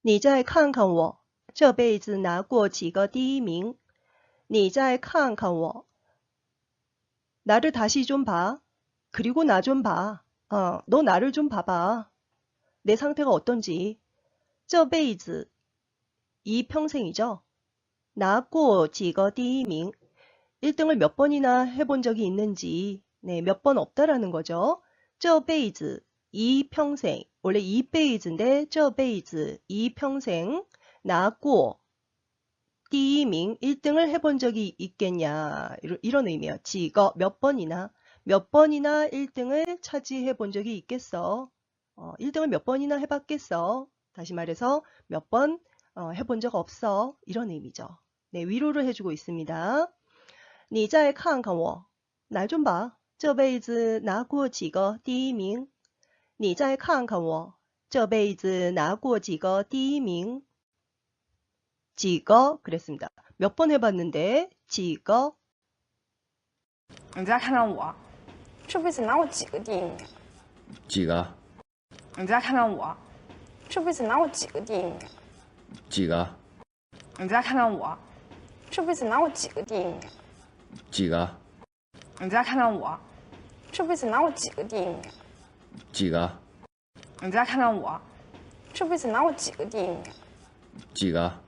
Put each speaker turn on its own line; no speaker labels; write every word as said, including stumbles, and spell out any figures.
你再看看我，这辈子拿过几个第一名。你再看看我， 나를 다시 좀 봐. 그리고 나 좀 봐. 어, 너 나를 좀 봐봐. 내 상태가 어떤지. 这辈子, 이 평생이죠. 拿过几个第一名. 일 등을 몇 번이나 해본 적이 있는지, 네, 몇 번 없다라는 거죠. 这辈子, 이 평생. 원래 이 페이지인데, 这辈子, 이 평생. 拿过, 第一名, 일 등을 해본 적이 있겠냐. 이런, 이런 의미예요. 지거, 몇 번이나, 몇 번이나 일 등을 차지해 본 적이 있겠어. 어, 일 등을 몇 번이나 해봤겠어. 다시 말해서 몇 번 어, 해본 적 없어. 이런 의미죠. 네, 위로를 해주고 있습니다. 你再看看我, 날 좀 봐. 这辈子拿过几个第一名. 你再看看我, 这辈子拿过几个第一名. 几个 그랬습니다. 몇 번 해봤는데 几个.
你再看看我，这辈子拿过几个第一名？
几个？
你再看看我，这辈子拿过几个第一名？
几个？
你再看看我，这辈子拿过几个第一名？
几个？
你再看看我，这辈子拿过几个第一名？
几个？
你再看看我，这辈子拿过几个第一名？
几个？